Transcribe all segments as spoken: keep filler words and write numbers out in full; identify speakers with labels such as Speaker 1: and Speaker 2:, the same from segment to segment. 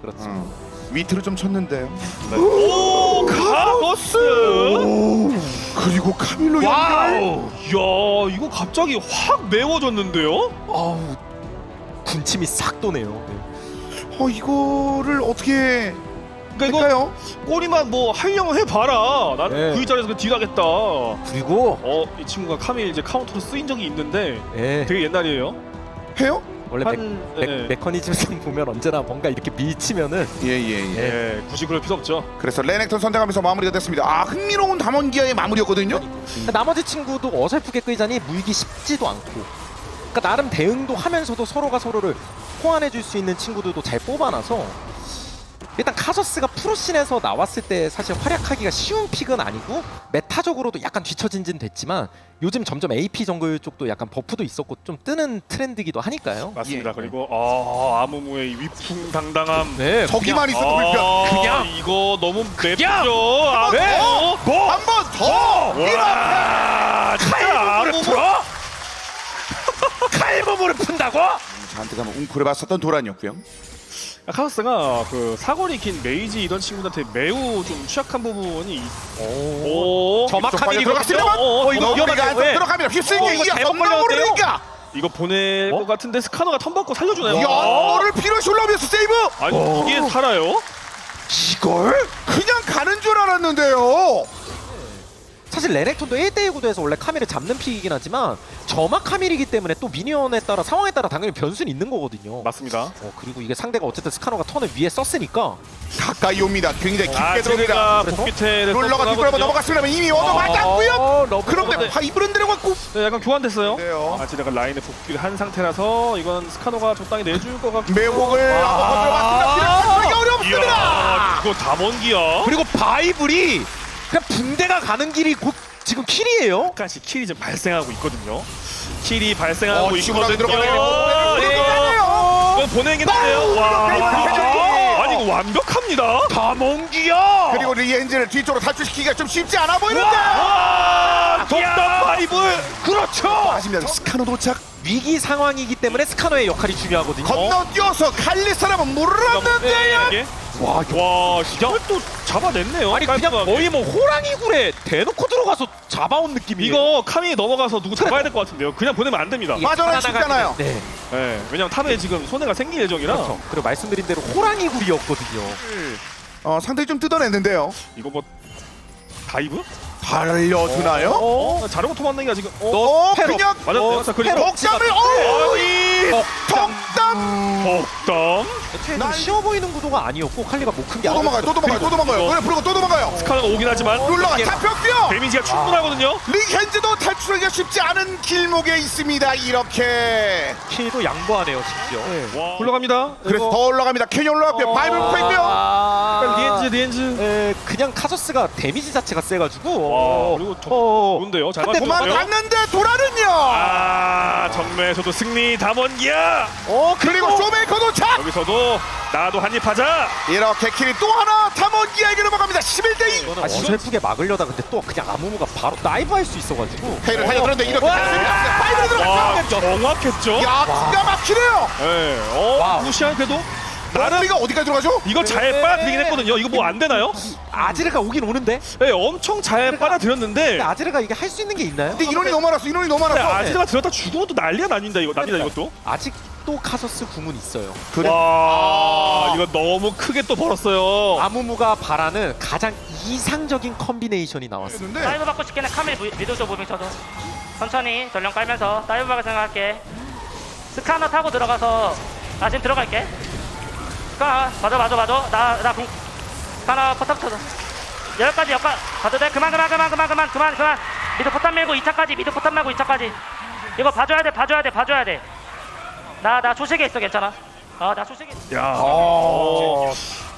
Speaker 1: 그렇죠.
Speaker 2: 음. 위트를 좀 쳤는데요.
Speaker 3: 네. 오, 카거스.
Speaker 2: 오, 그리고 카밀로 연결.
Speaker 3: 와우. 야, 이거 갑자기 확 매워졌는데요?
Speaker 1: 아우 군침이 싹 도네요. 네.
Speaker 2: 어 이거를 어떻게
Speaker 3: 그러니까 이거
Speaker 2: 할까요?
Speaker 3: 꼬리만 뭐 하려면 해봐라. 나는
Speaker 1: 네.
Speaker 3: 그 자리에서 그 딜하겠다.
Speaker 1: 그리고
Speaker 3: 어, 이 친구가 카밀 이제 카운터로 쓰인 적이 있는데
Speaker 1: 예,
Speaker 3: 되게 옛날이에요.
Speaker 2: 해요?
Speaker 1: 원래
Speaker 3: 한
Speaker 1: 메,
Speaker 3: 네.
Speaker 1: 메, 메커니즘상 보면 언제나 뭔가 이렇게 밀치면은
Speaker 2: 예예 예.
Speaker 3: 예, 굳이 그럴 필요 없죠.
Speaker 2: 그래서 레넥톤 선택하면서 마무리가 됐습니다. 아 흥미로운 담원기아의 마무리였거든요.
Speaker 1: 그러니까 나머지 친구도 어설프게 끌자니 물기 쉽지도 않고, 그러니까 나름 대응도 하면서도 서로가 서로를 호환해줄 수 있는 친구들도 잘 뽑아놔서 일단 카서스가 프로씬에서 나왔을 때 사실 활약하기가 쉬운 픽은 아니고 메타적으로도 약간 뒤처진진 됐지만 요즘 점점 에이피 정글 쪽도 약간 버프도 있었고 좀 뜨는 트렌드기도 하니까요.
Speaker 3: 맞습니다.
Speaker 2: 예.
Speaker 3: 그리고 아, 아무무의 이 위풍당당함.
Speaker 1: 네,
Speaker 2: 저기만 있어도
Speaker 3: 아,
Speaker 2: 불편.
Speaker 1: 그냥.
Speaker 3: 이거 너무 맵죠.
Speaker 2: 더!
Speaker 3: 아, 네. 뭐?
Speaker 2: 한 번 더! 이렇게!
Speaker 3: 와, 진짜
Speaker 1: 칼부분을
Speaker 3: 아무무.
Speaker 1: 풀어? 칼부분을 푼다고?
Speaker 2: 저한테 가면 웅크를 봤었던 도란이었고요.
Speaker 3: 카우스가 그 사거리 긴 메이지 이런 친구들한테 매우 좀 취약한 부분이 있-
Speaker 1: 오,
Speaker 3: 오,
Speaker 1: 저막
Speaker 2: 좀 빨리
Speaker 1: 카밀이거든요.
Speaker 2: 들어갔습니다만
Speaker 1: 어, 이거
Speaker 2: 너구리가
Speaker 1: 위험한데요.
Speaker 2: 안쪽
Speaker 1: 예.
Speaker 2: 들어갑니다. 휩쓸기
Speaker 1: 어, 이거
Speaker 2: 이야
Speaker 1: 잘못
Speaker 2: 겁나
Speaker 1: 걸렸는데요?
Speaker 2: 모르니까.
Speaker 3: 이거 보낼
Speaker 1: 어?
Speaker 3: 것 같은데 스카너가 턴 받고 살려주나요?
Speaker 2: 이거를 피로 슐러비에서 세이브.
Speaker 3: 아니
Speaker 1: 어.
Speaker 3: 이게 살아요?
Speaker 2: 이걸 그냥 가는 줄 알았는데요.
Speaker 1: 사실 레넥톤도 일 대일 구도에서 원래 카밀을 잡는 픽이긴 하지만 저막 카밀이기 때문에 또 미니언에 따라 상황에 따라 당연히 변수는 있는 거거든요.
Speaker 3: 맞습니다.
Speaker 1: 어, 그리고 이게 상대가 어쨌든 스카노가 턴을 위에 썼으니까
Speaker 2: 가까이 옵니다. 굉장히 깊게
Speaker 3: 아,
Speaker 2: 들어옵니다.
Speaker 3: 제가
Speaker 1: 그래서?
Speaker 3: 복귀태를
Speaker 2: 롤러가 뒷걸음을 넘어갔으면 이미 얻어 맞았고요.
Speaker 1: 어, 러브
Speaker 2: 그런데
Speaker 1: 러브.
Speaker 2: 파이브는 들어갔고.
Speaker 3: 네, 약간 교환됐어요.
Speaker 2: 네요.
Speaker 3: 아, 제가 라인에 복귀를 한 상태라서 이건 스카노가 적당히 내줄 것 같고.
Speaker 2: 매혹을
Speaker 1: 아.
Speaker 2: 한번 들어갔습니다. 들어가기 어렵습니다.
Speaker 3: 이야, 이거 다번기야.
Speaker 1: 그리고 바이블이 그냥 붕대가 가는 길이 곧 지금 킬이에요.
Speaker 3: 약간씩 킬이 좀 발생하고 있거든요. 킬이 발생하고
Speaker 2: 어, 치고 나가게
Speaker 3: 있거든요.
Speaker 2: 들어가네요.
Speaker 3: 예.
Speaker 2: 들어가네요.
Speaker 3: 이거 보내겠는데요. 와, 아니 이거 완벽합니다.
Speaker 1: 다몽기야.
Speaker 2: 그리고 리엔즈를 뒤쪽으로 탈출시키기가 좀 쉽지 않아 보이는데.
Speaker 3: 와, 덕담 파이브.
Speaker 1: 그렇죠.
Speaker 2: 아쉽니다. 스카노 도착.
Speaker 1: 위기 상황이기 때문에 스카노의 역할이 중요하거든요.
Speaker 2: 건너뛰어서 칼리스라면 물었는데요.
Speaker 3: 이게 와, 와, 이걸 또 잡아냈네요.
Speaker 1: 아니 그냥
Speaker 3: 깔끔하게.
Speaker 1: 거의 뭐 호랑이 굴에 대놓고 들어가서 잡아온 느낌이에요.
Speaker 3: 이거 카미 넘어가서 누구 잡아야 될 것 같은데요. 그냥 보내면 안 됩니다.
Speaker 1: 이게
Speaker 2: 맞아요,
Speaker 1: 하나가
Speaker 2: 쉽잖아요.
Speaker 1: 네.
Speaker 3: 네, 왜냐면 탑에 지금 손해가 생길 예정이라.
Speaker 1: 그렇죠. 그리고 말씀드린 대로 호랑이 굴이었거든요.
Speaker 2: 어, 상당히 좀 뜯어냈는데요.
Speaker 3: 이거 뭐 다이브?
Speaker 2: 달려주나요?
Speaker 3: 어, 어 자르고 토만능이가 지금. 어,
Speaker 2: 어,
Speaker 1: 패럭.
Speaker 2: 그냥
Speaker 3: 맞았네요. 자, 그리고
Speaker 2: 덕담을 어,
Speaker 3: 아니,
Speaker 2: 덕담.
Speaker 3: 덕담.
Speaker 1: 애초에
Speaker 2: 난-
Speaker 1: 좀 쉬워 보이는 구도가 아니었고 칼리가 못 큰 게
Speaker 2: 또 도망가요, 또 도망가요, 또 도망가요.
Speaker 3: 이거-
Speaker 2: 그래, 부르고 또 도망가요.
Speaker 3: 스카노가 오긴 하지만
Speaker 2: 룰러가 잡혔고요.
Speaker 3: 데미지가 충분하거든요.
Speaker 2: 링핸즈도 탈출하기가 쉽지 않은 길목에 있습니다. 이렇게.
Speaker 1: 킬도 양보하네요 심지어.
Speaker 3: 와, 올라갑니다.
Speaker 2: 그래서 더 올라갑니다. 캐년 올라갔고요.
Speaker 3: 어.
Speaker 2: 바이블 포인트요.
Speaker 1: 아,
Speaker 3: 리엔즈, 리엔즈.
Speaker 1: 에, 그냥 카서스가 데미지 자체가 세가지고.
Speaker 3: 와,
Speaker 1: 어,
Speaker 3: 그리고 저-
Speaker 1: 어,
Speaker 3: 좋은데요. 잘
Speaker 1: 한대
Speaker 3: 맞췄어요.
Speaker 2: 도망갔는데 도라는요.
Speaker 3: 아, 정매에서도 승리 담원기야.
Speaker 1: 어
Speaker 2: 그리고 쇼메이커 도착.
Speaker 3: 여기서도 나도 한입 하자.
Speaker 2: 이렇게 킬이 또 하나 탐험기에게 넘어갑니다. 십일 대 이.
Speaker 1: 이거는 어설프게 막으려다 근데 또 그냥 아무무가 바로 다이브 할 수 있어가지고.
Speaker 2: 페이를 달려들었는데 이렇게
Speaker 1: 와.
Speaker 2: 됐습니다. 파이브로
Speaker 3: 와,
Speaker 2: 들어갔죠.
Speaker 3: 정확했죠.
Speaker 2: 야, 기가 막히네요.
Speaker 3: 예, 어,
Speaker 1: 와우.
Speaker 3: 무시한 그래도
Speaker 2: 나는 우리가 어디까지 들어가죠?
Speaker 3: 이거 잘 빨아들이긴 했거든요. 이거 뭐 안 되나요?
Speaker 1: 아지르가 오긴 오는데.
Speaker 3: 예, 엄청 잘 빨아들였는데.
Speaker 1: 근데 아지르가 이게 할 수 있는 게 있나요?
Speaker 2: 근데 인원이 너무 많았어. 인원이 너무
Speaker 3: 근데
Speaker 2: 많았어.
Speaker 3: 아지르가 들었다 죽으면 또 난리가 납니다. 이거 납니다 이것도.
Speaker 1: 아직도 카서스 궁은 있어요.
Speaker 2: 그래.
Speaker 3: 와, 이거 너무 크게 또 벌었어요.
Speaker 1: 아무무가 바라는 가장 이상적인 컨비네이션이 나왔습니다.
Speaker 2: 근데
Speaker 4: 다이브 받고 싶겠네. 카밀 무- 미드조 무빙 쳐도 천천히 전령 깔면서 다이브 박을 생각할게. 스카너 타고 들어가서 나 지금 들어갈게. 스카너 맞아 맞아 맞아 나나 공 스카너 포탑 쳐줘. 여기까지 여기까지 가도 돼. 그만 그만 그만 그만 그만 그만 그만. 미드 포탑 밀고 이 차까지 미드 포탑 말고 이 차까지. 이거 봐줘야 돼 봐줘야 돼 봐줘야 돼. 나 나 초식에 있어 괜찮아. 어나 초식에 있어.
Speaker 3: 야.
Speaker 2: 어.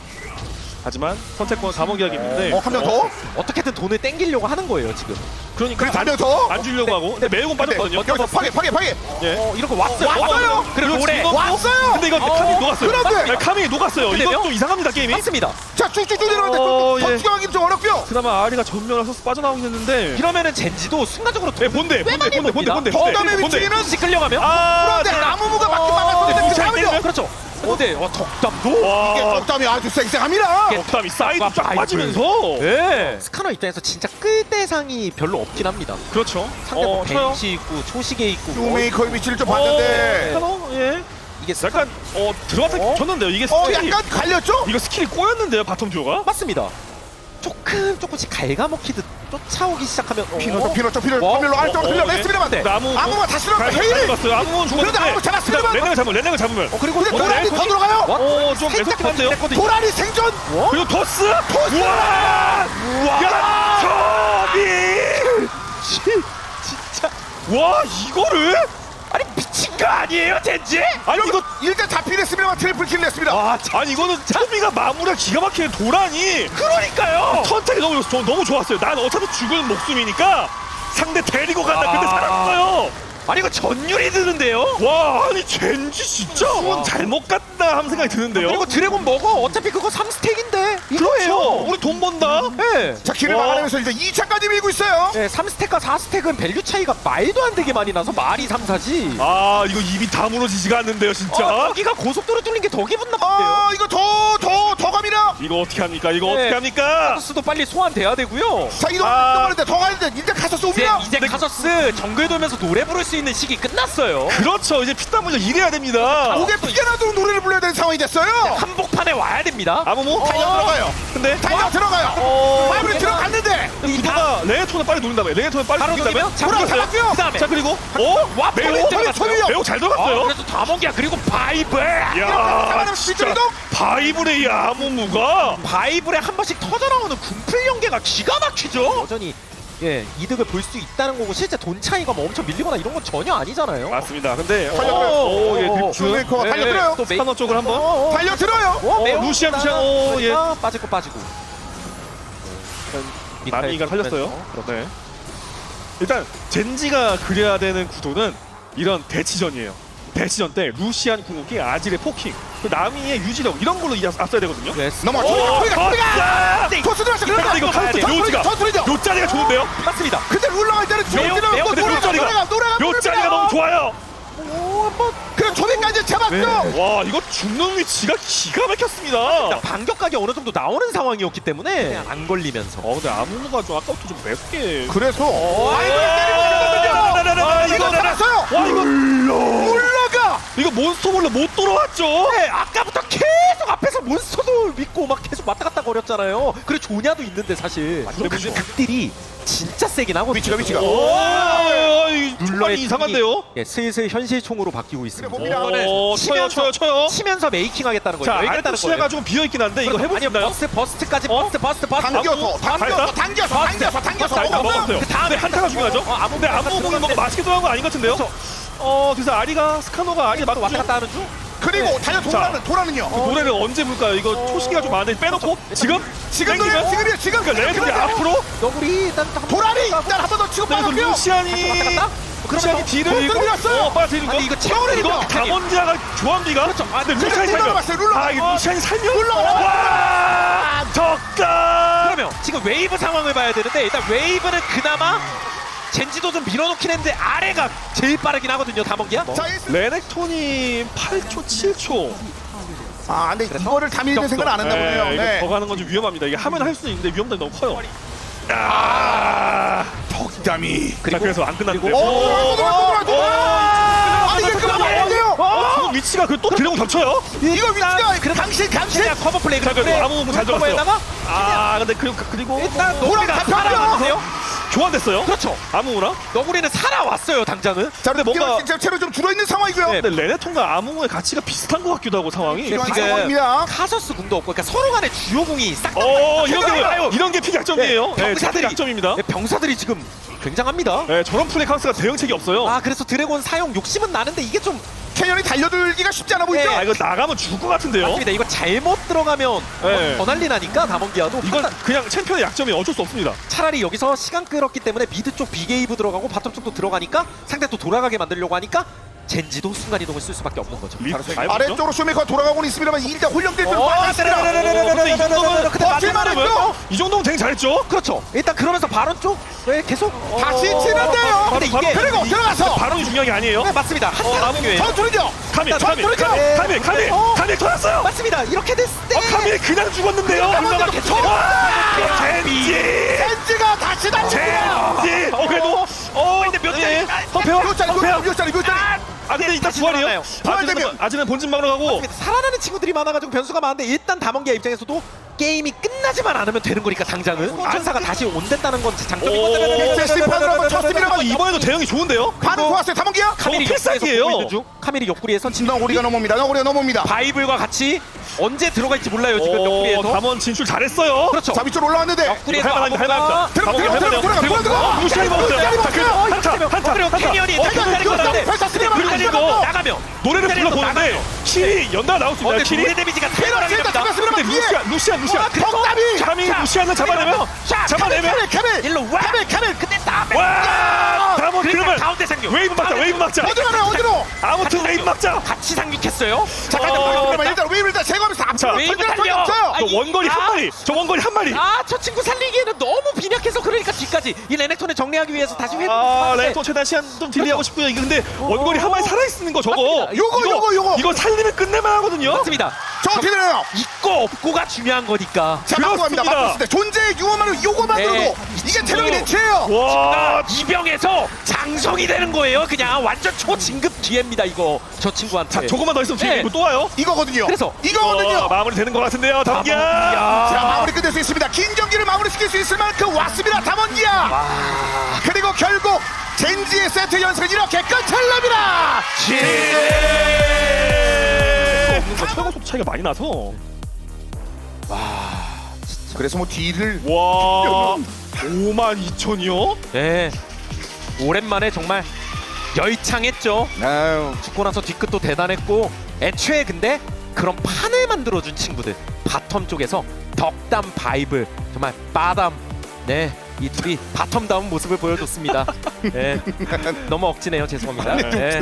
Speaker 3: 하지만 선택권 감옥이라기 있는데.
Speaker 2: 어, 한 명 더?
Speaker 1: 어떻게든 돈을 땡기려고 하는 거예요 지금.
Speaker 3: 그러니까
Speaker 2: 그리고 한 명 더?
Speaker 3: 안 주려고 하고. 근데 매우공 빠졌거든요.
Speaker 2: 여기서 파괴, 파괴, 파괴.
Speaker 3: 예.
Speaker 1: 어 이런 거 왔어요.
Speaker 2: 왔어요?
Speaker 1: 그리고 노래
Speaker 3: 지금
Speaker 2: 왔어요!
Speaker 3: 근데 이거
Speaker 1: 어,
Speaker 3: 카밀 녹았어요.
Speaker 2: 그런데!
Speaker 3: 네, 카밀이 녹았어요.
Speaker 1: 근데요?
Speaker 3: 이것도 이상합니다 게임이.
Speaker 1: 맞습니다.
Speaker 2: 자, 쭉쭉쭉 내려가는데
Speaker 3: 어,
Speaker 2: 더
Speaker 3: 예.
Speaker 2: 추가하기 좀 어렵고요.
Speaker 3: 그나마 아리가 전면에서 빠져나오긴 했는데.
Speaker 1: 이러면은 젠지도 순간적으로
Speaker 3: 네, 본대, 본대, 본대, 본대, 본대,
Speaker 2: 덕담의
Speaker 3: 본대.
Speaker 2: 위치는
Speaker 1: 혹시 끌려가면
Speaker 3: 아,
Speaker 2: 그런데
Speaker 3: 네.
Speaker 2: 나무무가 맞긴
Speaker 1: 어,
Speaker 2: 막았었는데 그
Speaker 3: 잘
Speaker 2: 다음은요.
Speaker 3: 때리면?
Speaker 1: 그렇죠. 근데 와 덕담도
Speaker 3: 와,
Speaker 2: 이게 적담이 아주 쌩쌩합니다.
Speaker 3: 덕담이 사이드 쫙
Speaker 1: 바이블.
Speaker 3: 빠지면서.
Speaker 1: 예. 스카너 입장에서 진짜 끌 대상이 별로 없긴 합니다.
Speaker 3: 그렇죠.
Speaker 1: 상대 뭐
Speaker 3: 어, 쳐요.
Speaker 1: 벤치 있고 초시계 있고 뭐
Speaker 2: 쇼메이커의 위치를 좀
Speaker 3: 어,
Speaker 2: 봤는데
Speaker 3: 스카너? 예.
Speaker 1: 이게
Speaker 3: 약간 어 들어갔다
Speaker 1: 어?
Speaker 3: 쳤는데요. 이게
Speaker 2: 어
Speaker 3: 스킬이
Speaker 2: 약간 갈렸죠?
Speaker 3: 이거 스킬이 꼬였는데요. 바텀 듀오가.
Speaker 1: 맞습니다. 조금 조금씩 갉아먹히듯 쫓아오기 시작하면 어?
Speaker 2: 피노죠 피노죠 피노
Speaker 1: 어?
Speaker 2: 파밀로 아래쪽으로
Speaker 3: 어, 어,
Speaker 2: 흘려냈습니다만
Speaker 3: 네. 나무
Speaker 2: 아무가 다시 들어가 헤일.
Speaker 3: 봤어요. 아무는 죽었는데.
Speaker 2: 그런데 아무 잡았습니다만.
Speaker 3: 레넥을 잡으면 레넥을 잡으면.
Speaker 1: 어 그리고
Speaker 2: 근데
Speaker 3: 어,
Speaker 2: 도란이
Speaker 3: 네,
Speaker 2: 더 들어가요.
Speaker 3: 어, 좀
Speaker 1: 살짝
Speaker 3: 애석긴 한데요.
Speaker 1: 했거든요.
Speaker 2: 도란이 생존.
Speaker 1: 어?
Speaker 3: 그리고 토스.
Speaker 2: 토스!
Speaker 3: 우와. 야, 토비.
Speaker 1: 진짜
Speaker 3: 와, 이거를?
Speaker 1: 아니 미친 거 아니에요 젠지?
Speaker 3: 아니 이거
Speaker 2: 일단 잡히긴 했습니다만 트리플 킬 냈습니다.
Speaker 3: 와, 아니 이거는 토비가 마무리가 기가 막히는 도란이
Speaker 1: 그러니까요.
Speaker 3: 선택이 너무 저, 너무 좋았어요. 난 어차피 죽은 목숨이니까 상대 데리고 간다. 근데
Speaker 1: 아.
Speaker 3: 살았어요.
Speaker 1: 아니 이거 전율이 드는데요?
Speaker 3: 와, 아니 젠지 진짜
Speaker 1: 와.
Speaker 3: 잘못 갔다 하는 생각이 드는데요.
Speaker 1: 그리고 드래곤 먹어. 어차피 그거 삼 스택인데
Speaker 3: 그렇죠.
Speaker 1: 이거예요.
Speaker 3: 우리 돈 번다.
Speaker 1: 네.
Speaker 2: 자 길을
Speaker 3: 와.
Speaker 2: 막아내면서 일단 이 차까지 밀고 있어요.
Speaker 1: 네, 삼 스택과 사 스택은 밸류 차이가 말도 안 되게 많이 나서 말이 삼, 사지.
Speaker 3: 아, 이거 입이 다물어지지가 않는데요, 진짜.
Speaker 1: 어, 여기가 고속도로 뚫린 게 더 기분 나쁜데요.
Speaker 2: 아 이거 더 더 더 갑니다.
Speaker 3: 이거 어떻게 합니까? 이거
Speaker 1: 네.
Speaker 3: 어떻게 합니까?
Speaker 1: 카서스도 빨리 소환돼야 되고요.
Speaker 2: 자 이동
Speaker 3: 아.
Speaker 2: 이동하는데 더 가는데 이제 가서
Speaker 1: 이제
Speaker 2: 쏩니다.
Speaker 1: 이제 카서스 정글 돌면서 노래 부를 수 있는 시기 끝났어요.
Speaker 3: 그렇죠. 이제 피땀 흘려 일해야 됩니다.
Speaker 2: 목에 피가 나도록 노래를 불러야 되는 상황이 됐어요.
Speaker 1: 한복판에 와야 됩니다.
Speaker 3: 아무모?
Speaker 2: 달려 들어가요.
Speaker 3: 근데
Speaker 2: 달려 들어가요.
Speaker 3: 어,
Speaker 2: 마무리 들어갔는데
Speaker 3: 구도가 레네톤을 빨리 노린다며. 레네톤을 빨리
Speaker 1: 바로
Speaker 3: 노린다며.
Speaker 1: 노리면
Speaker 2: 돌아 잡았고요.
Speaker 1: 그다음에
Speaker 3: 자, 그리고 어?
Speaker 1: 와
Speaker 3: 매우
Speaker 1: 매우
Speaker 2: 소리, 소리요.
Speaker 3: 매우 잘
Speaker 1: 어,
Speaker 3: 들어갔어요.
Speaker 1: 그래서 다목이야. 그리고 바이블.
Speaker 3: 야,
Speaker 2: 잡아내면
Speaker 3: 진짜
Speaker 2: 뒤쪽이동.
Speaker 3: 바이블의 이 아무무가
Speaker 1: 바이블에 한 번씩 터져 나오는 군풀 연계가 기가 막히죠. 여전히 예 이득을 볼 수 있다는 거고 실제 돈 차이가 뭐 엄청 밀리거나 이런 건 전혀 아니잖아요.
Speaker 3: 맞습니다. 근데
Speaker 2: 달려들어요.
Speaker 3: 오, 예, 그
Speaker 2: 쇼메이커가 달려들어요.
Speaker 1: 또 메이
Speaker 3: 스카너 쪽을 한번.
Speaker 1: 어, 어.
Speaker 2: 달려 들어요.
Speaker 1: 어, 매우
Speaker 3: 루시안,
Speaker 1: 없다.
Speaker 3: 루시안, 어, 예.
Speaker 1: 그러니까 빠질 거 빠지고.
Speaker 3: 나미가 살렸어요.
Speaker 1: 그렇죠.
Speaker 3: 네. 일단 젠지가 그려야 되는 구도는 이런 대치전이에요. 대치전 때 루시안 궁극기, 아질의 포킹, 그 나미의 유지력 이런 걸로 이제 앞서야 되거든요.
Speaker 1: 네.
Speaker 2: 넘어.
Speaker 3: 오,
Speaker 2: 소리가 소리가.
Speaker 3: 네.
Speaker 2: 토스 들어왔어.
Speaker 3: 근데 이거 카운트 묘지가
Speaker 2: 더 소리죠.
Speaker 3: 요 자리가 좋은데요?
Speaker 1: 맞습니다.
Speaker 2: 근데 룰 나갈 때는
Speaker 1: 매우,
Speaker 2: 지금
Speaker 1: 매우
Speaker 2: 또
Speaker 3: 근데 요
Speaker 2: 노래가
Speaker 3: 자리가
Speaker 2: 노래가 노래가
Speaker 3: 요 자리가 너무 좋아요.
Speaker 1: 오, 한번
Speaker 2: 그래 초비까지 잡았죠.
Speaker 3: 와, 이거 죽는 위치가 기가 막혔습니다.
Speaker 1: 반격각이 어느 정도 나오는 상황이었기 때문에 안 걸리면서.
Speaker 3: 어, 근데 아무무가 좀 아까부터 좀 맵게.
Speaker 2: 그래서
Speaker 3: 아,
Speaker 2: 아이고 때리고
Speaker 3: 아,
Speaker 2: 있거든요.
Speaker 3: 이거
Speaker 2: 이거 잡았어요.
Speaker 3: 와, 이거
Speaker 2: 물러가.
Speaker 3: 이거 몬스터볼로 못 돌아왔죠?
Speaker 1: 네, 아까부터 계속 앞에서 몬스터도 믿고 막 계속 왔다 갔다 거렸잖아요. 그리고 조냐도 있는데 사실. 근데 문제 극딜이 진짜 세긴 하거든요.
Speaker 2: 위치가 위치가.
Speaker 3: 오, 이
Speaker 1: 룰러의
Speaker 3: 룰러의 이상한데요?
Speaker 1: 예, 슬슬 현실총으로 바뀌고 있습니다.
Speaker 2: 그래, 봅니다.
Speaker 3: 어, 쳐요, 쳐요, 쳐요.
Speaker 1: 치면서 메이킹하겠다는 거예요.
Speaker 3: 자,
Speaker 1: 이겼다는
Speaker 3: 알토시아가
Speaker 1: 거예요.
Speaker 3: 좀 비어있긴 한데 이거
Speaker 1: 그렇죠.
Speaker 3: 해보시나요?
Speaker 1: 아니요, 버스, 버스트까지
Speaker 3: 어?
Speaker 1: 버스트, 버스트, 버스트.
Speaker 2: 당겨서
Speaker 3: 아무-
Speaker 2: 당겨서
Speaker 3: 갈까?
Speaker 2: 당겨서 당겨서 당겨서
Speaker 3: 자, 일단
Speaker 2: 먹었어요.
Speaker 3: 먹었어요.
Speaker 1: 그 다음에
Speaker 3: 근데 한타가 중요하죠?
Speaker 1: 어, 아무
Speaker 3: 근데 아무 보기 뭔가 맛있게 들어간 거 아닌 것 같은데요?
Speaker 1: 그렇죠.
Speaker 3: 어, 그래서 아리가 스카노가 아리 막
Speaker 1: 왔다 갔다 하는 중.
Speaker 2: 그리고 달려
Speaker 3: 자.
Speaker 2: 돌아는 돌아는요.
Speaker 3: 노래를 언제 볼까요? 이거 초시기가 좀 많은데 빼놓고 지금?
Speaker 2: 지금
Speaker 3: 땡기면?
Speaker 2: 노래요. 지금이요. 지금.
Speaker 3: 그러니까 레드이
Speaker 2: 그러네요.
Speaker 3: 앞으로
Speaker 1: 너구리 일단 한번
Speaker 2: 도라리
Speaker 1: 갔다
Speaker 2: 일단 한 번 더 치고
Speaker 3: 그리고
Speaker 2: 빠졌고요.
Speaker 3: 루시안이
Speaker 1: 왔다 갔다.
Speaker 3: 루시안이 뒤를
Speaker 2: 못
Speaker 3: 이거
Speaker 2: 들어갔어요.
Speaker 3: 어, 빨아들이는 거?
Speaker 1: 아니, 이거 채워내는
Speaker 3: 이거
Speaker 1: 거.
Speaker 3: 강원지아가 조합니가?
Speaker 1: 그렇죠. 아,
Speaker 3: 근데
Speaker 1: 근데
Speaker 3: 루시안이
Speaker 2: 룰러
Speaker 3: 살면
Speaker 2: 나왔어요, 룰러.
Speaker 3: 아, 이거 루시안이 살면
Speaker 2: 룰러
Speaker 3: 와, 적다.
Speaker 1: 그러면 지금 웨이브 상황을 봐야 되는데 일단 웨이브는 그나마 젠지도 좀 밀어놓긴 했는데 아래가 제일 빠르긴 하거든요. 다mon기야.
Speaker 2: 자, 이-
Speaker 3: 레넥톤이 팔 초, 칠 초.
Speaker 2: 아, 근데 이거를 다 밀는 생각은 안 했나 보네요.
Speaker 3: 네, 이거
Speaker 2: 네.
Speaker 3: 더 가는 건 좀 위험합니다. 이게 하면 할 수 있는데 위험성이 너무 커요. 아,
Speaker 2: 덕담이.
Speaker 3: 자, 그래서 안 끝났는데.
Speaker 2: 오, 돌아, 돌아, 돌아. 아, 이게 그만 안 돼요.
Speaker 3: 어, 지금 위치가 그 또 드래곤 겹쳐요?
Speaker 2: 이거 위치가 당신 당신.
Speaker 1: 그냥 커버 플레이.
Speaker 3: 자, 그래도 아무 부분 잘 들어갔어요.
Speaker 1: 커버에다가
Speaker 3: 아, 근데 그, 그- 그리고
Speaker 1: 일단
Speaker 2: 돌아,
Speaker 1: 너구리가
Speaker 2: 다 펴요.
Speaker 1: 살아남으세요.
Speaker 3: 교환됐어요?
Speaker 1: 그렇죠.
Speaker 3: 아무나?
Speaker 1: 너구리는 살아왔어요. 당장은.
Speaker 2: 자,
Speaker 3: 근데 뭔가-
Speaker 2: 뭔가 진짜 체로 좀 줄어 있는 상황이고요.
Speaker 1: 네.
Speaker 3: 근데 레네톤과 아무의 가치가 비슷한 것 같기도 하고 상황이.
Speaker 1: 네,
Speaker 2: 이런
Speaker 1: 지금
Speaker 2: 상황입니다.
Speaker 1: 카서스 궁도 없고 그러니까 서로 간에 주요 궁이 싹 다.
Speaker 3: 어, 이런
Speaker 1: 생각해봐요.
Speaker 3: 게 이런 게 픽약점이에요.
Speaker 1: 네,
Speaker 3: 네,
Speaker 1: 병사들이-
Speaker 3: 약점입니다.
Speaker 1: 네, 병사들이 지금 굉장합니다.
Speaker 3: 네, 저런 플레이 카운스가 대응책이 없어요.
Speaker 1: 아 그래서 드래곤 사용 욕심은 나는데 이게 좀
Speaker 2: 캐년이 달려들기가 쉽지 않아 보이죠?
Speaker 1: 네.
Speaker 3: 아, 이거 나가면 죽을 것 같은데요.
Speaker 1: 맞습니다. 이거 잘못 들어가면
Speaker 3: 네.
Speaker 1: 더 난리 나니까 다mon기아도
Speaker 3: 이건
Speaker 1: 판단-
Speaker 3: 그냥 챔피언의 약점이 어쩔 수 없습니다.
Speaker 1: 차라리 여기서 시간 끌었기 때문에 미드 쪽 비게이브 들어가고 바텀 쪽도 들어가니까 상대 또 돌아가게 만들려고 하니까 젠지도 순간이동을 쓸 수밖에 없는 거죠.
Speaker 3: 리-
Speaker 1: 바로 저-
Speaker 3: 잘 보죠?
Speaker 2: 아래쪽으로 쇼메이커가 돌아가고는 있습니다만 일단 홀령될 줄
Speaker 1: 어,
Speaker 2: 빨랐습니다.
Speaker 3: 근데 이 정도면
Speaker 1: 근데
Speaker 2: 버틸
Speaker 1: 마지막에
Speaker 2: 만했죠?
Speaker 3: 이 정도면 되게 잘했죠.
Speaker 1: 그렇죠. 일단 그러면서 바론 쪽 네, 계속
Speaker 2: 다시
Speaker 1: 어,
Speaker 2: 치는데요.
Speaker 1: 근데 이게
Speaker 2: 그리고 들어가서
Speaker 3: 발언이 중요한 게 아니에요.
Speaker 1: 네, 맞습니다. 한타가 중요해요.
Speaker 2: 전투는요.
Speaker 3: 카밀
Speaker 1: 자,
Speaker 3: 카밀
Speaker 1: 그렇죠.
Speaker 3: 카밀 카밀 카밀
Speaker 1: 어.
Speaker 3: 카밀 터졌어요.
Speaker 1: 맞습니다. 이렇게 됐을 때
Speaker 3: 어 카밀 그냥 죽었는데요.
Speaker 1: 얼마나 계속
Speaker 3: 젠지
Speaker 2: 젠지가 다시 달립니다.
Speaker 3: 젠지. 어 그래도 어 근데 몇 대? 허페어
Speaker 2: 몇 짜리
Speaker 3: 허페어.
Speaker 2: 몇 짜리 몇 짜리
Speaker 3: 아 근데 일단
Speaker 1: 다시
Speaker 3: 부활이에요.
Speaker 1: 살아나요.
Speaker 3: 아직은
Speaker 2: 부활되면.
Speaker 3: 아직은 본진 방으로 가고.
Speaker 1: 살아나는 친구들이 많아가지고 변수가 많은데 일단 담원기아 입장에서도 게임이 끝나지만 않으면 되는 거니까 당장은 안사가 다시 온댔다는 건 장점인
Speaker 3: 오.
Speaker 1: 거잖아요.
Speaker 2: 엑세스 판으로 한번 쳤습니다.
Speaker 3: 어, 이번에도 대응이 좋은데요.
Speaker 2: 반응 좋았어요. 담원기야.
Speaker 1: 카밀이
Speaker 3: 저거 필살기예요.
Speaker 1: 옆구리에서 보고 있는 중. 카밀이 옆구리에서 진
Speaker 2: 너구리가 넘어옵니다. 너구리가 넘어옵니다.
Speaker 1: 바이블과 같이 언제 들어갈지 몰라요 지금
Speaker 3: 오,
Speaker 1: 옆구리에서.
Speaker 3: 담원 진출 잘했어요.
Speaker 1: 그렇죠.
Speaker 2: 자 위쪽으로 올라왔는데
Speaker 1: 옆구리에서
Speaker 3: 할만합니다.
Speaker 1: 아무거나
Speaker 3: 할만합니다.
Speaker 2: 들어가,
Speaker 3: 담원
Speaker 2: 들어가,
Speaker 3: 할만해요.
Speaker 2: 들어가, 들어가,
Speaker 3: 그리고
Speaker 2: 들어가.
Speaker 3: 루시안이 먹었어요.
Speaker 2: 루시안이
Speaker 3: 자, 그리고
Speaker 2: 먹었어요.
Speaker 3: 한타 한타
Speaker 1: 그리고
Speaker 3: 한타.
Speaker 1: 캐니언이
Speaker 3: 어,
Speaker 1: 탈출
Speaker 3: 그리고
Speaker 1: 잘했고 나는데
Speaker 2: 펼쳤습니다.
Speaker 3: 그리고
Speaker 1: 나가면
Speaker 3: 노래를
Speaker 1: 그리고
Speaker 3: 불러보는데
Speaker 1: 나가면.
Speaker 3: 킬이 연달아 나올 수
Speaker 1: 어,
Speaker 3: 있나요?
Speaker 1: 근데
Speaker 3: 킬이?
Speaker 1: 노래 데미지가
Speaker 2: 피해라, 피해라,
Speaker 1: 대단합니다.
Speaker 2: 잡았습니다.
Speaker 3: 근데
Speaker 2: 피해.
Speaker 3: 루시안 루시안 루시안
Speaker 1: 와, 그래서
Speaker 2: 덕담이.
Speaker 3: 감히 루시안을 잡아내면 잡아내면
Speaker 2: 카밀 카밀
Speaker 1: 일로 와.
Speaker 2: 카밀 카밀.
Speaker 1: 근데 딱
Speaker 3: 와 담원
Speaker 1: 그러니까
Speaker 3: 그러면
Speaker 1: 가운데 상륙.
Speaker 3: 웨이브 막자 웨이브 막자
Speaker 2: 어디로 가요? 어디로?
Speaker 3: 아무튼 웨이브 막자.
Speaker 1: 같이 상륙했어요.
Speaker 2: 자 가자.
Speaker 3: 어,
Speaker 2: 그러면 일단 웨이브를 일단 제거하면서
Speaker 3: 자,
Speaker 2: 앞으로
Speaker 1: 웨이브
Speaker 2: 던지는 적이
Speaker 1: 달려.
Speaker 2: 없어요.
Speaker 1: 아,
Speaker 3: 저 원거리 한
Speaker 1: 아.
Speaker 3: 마리 저 원거리 한 마리.
Speaker 1: 아, 저 친구 살리기에는 너무 빈약해서 그러니까 뒤까지 이 레넥톤을 정리하기 위해서 다시 회복.
Speaker 3: 아 레토 최대한 시간 좀 딜리하고 싶고요. 이거 근데 원거리 한 마리 살아있는 거 저거
Speaker 1: 맞습니다.
Speaker 2: 요거,
Speaker 3: 이거,
Speaker 2: 요거, 요거.
Speaker 3: 이거 살리면 끝낼만 하거든요.
Speaker 1: 맞습니다.
Speaker 2: 저 어떻게 되나요?
Speaker 1: 있고 없고가 중요한 거니까.
Speaker 2: 자 맞고 갑니다.
Speaker 3: 그렇습니다.
Speaker 2: 맞고 있을 때 존재의 유언만으로 요거만으로도
Speaker 1: 네.
Speaker 2: 이게 체력이 대체예요.
Speaker 3: 와
Speaker 1: 이병에서 장성이 되는 거예요. 그냥 완전 초진급 기회입니다. 이거 저 친구한테.
Speaker 3: 자 조금만 더 있으면 뒤에
Speaker 1: 네.
Speaker 3: 이거 또 와요.
Speaker 2: 이거거든요.
Speaker 1: 그래서
Speaker 2: 이거거든요.
Speaker 3: 어, 마무리 되는 것 같은데요. 담기야.
Speaker 2: 자 마무리 끝낼 수 있습니다. 긴 경기를 마무리시킬 수 있을 만큼 왔습니다. 담원기야. 그리고 결국 젠지의 세트 연승은 이렇게 끝을 냅니다.
Speaker 3: 없는 거 최고 속 차이가 많이 나서.
Speaker 2: 그래서 뭐 뒤를
Speaker 3: 와 오만 이천이요?
Speaker 1: 네. 오랜만에 정말 열창했죠.
Speaker 2: 아유.
Speaker 1: 죽고 나서 뒤끝도 대단했고 애초에 근데 그런 판을 만들어준 친구들 바텀 쪽에서 덕담 바이블 정말 빠담 네 이 둘이 바텀다운 모습을 보여줬습니다. 네. 너무 억지네요. 죄송합니다. 네. 네.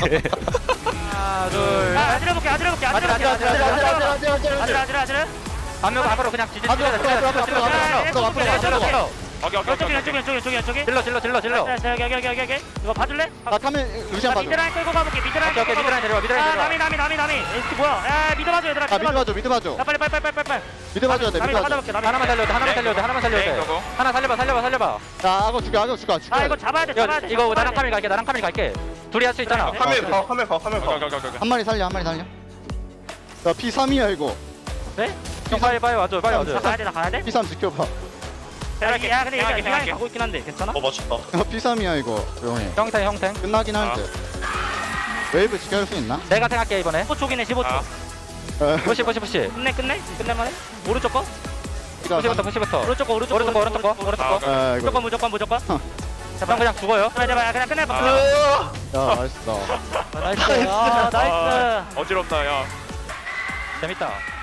Speaker 4: 하나 둘 아, 아지러 볼게 아지러 볼게 아지러 볼게 아지러 아지러 아지러 아지러 아지러 아지러 한명 앞으로 그냥 뒤집어
Speaker 5: 앞으로, 앞으로, 앞으로, 앞으로, 앞으로, 앞으로, 앞으로, 앞으로, 앞으로.
Speaker 4: 저쪽이 저쪽이 저쪽이 저쪽이 저쪽이
Speaker 5: 질러 질러 질러 질러.
Speaker 4: 여기 여기 여기 여기 여기 이거 봐줄래?
Speaker 5: 나 타면 루시안 봐줘.
Speaker 4: 미드라인 끌고 가볼게 미드라인
Speaker 5: 오케이, 오케이,
Speaker 4: 끌고
Speaker 5: 미드라인 내려와, 미드라인
Speaker 4: 아
Speaker 5: 내려와.
Speaker 4: 남이 남이 남이 남이 에스티 뭐야 야 미드 봐줘 얘들아
Speaker 5: 아 미드 봐줘 미드 봐줘.
Speaker 4: 야 빨리 빨리 빨리 빨리 빨리
Speaker 5: 미드 봐줘야 돼
Speaker 4: 남이
Speaker 5: 미드 봐줘.
Speaker 4: 받아볼게 남이
Speaker 5: 하나만 살려야 돼 하나만 살려야 돼 하나만 살려야 돼. 하나 살려봐 살려봐 살려봐. 야 악어 죽여 악어 죽여 죽여.
Speaker 4: 아 이거 잡아야 돼 잡아야 돼
Speaker 5: 이거 나랑 카밀 갈게 나랑 카밀 갈게. 둘이 할 수 있잖아.
Speaker 4: 카밀
Speaker 5: 어,
Speaker 6: 카멜 봐, 카멜 봐.
Speaker 5: 한 마리 살려 한 마리 살려. 야 피 삼이야 이거.
Speaker 4: 네?
Speaker 5: 형 빨리 빨리 와줘 빨리 와줘.
Speaker 4: 나 가야 돼나 가야 돼?
Speaker 5: 피 삼 지켜봐.
Speaker 4: 야 근데 얘가 미안이 가고 있긴 한데 괜찮아?
Speaker 6: 어, 맞췄다.
Speaker 5: 야 피 삼이야 이거 조용히. 형탱 형탱. 끝나긴 할 듯. 웨이브 지켜줄 수 있나?
Speaker 4: 내가 생각해 이번에 십오 초기네 십오 초
Speaker 5: 에,
Speaker 4: 푸시 푸시 푸시 끝내 끝내? 끝낼만해? 오른쪽 거?
Speaker 5: 이거
Speaker 4: 푸시부터 푸시부터 오른쪽 거 오른쪽 거 오른쪽 거 오른쪽 거 오른쪽 거
Speaker 5: 에 이거.
Speaker 4: 무조건 무조건 무조건
Speaker 5: 어.
Speaker 4: 형 그냥 죽어요 제발 제발 그냥 끝내봐
Speaker 5: 야 맛있어.
Speaker 4: 나이스 아 나이스
Speaker 6: 어지럽다, 야.
Speaker 4: 재밌다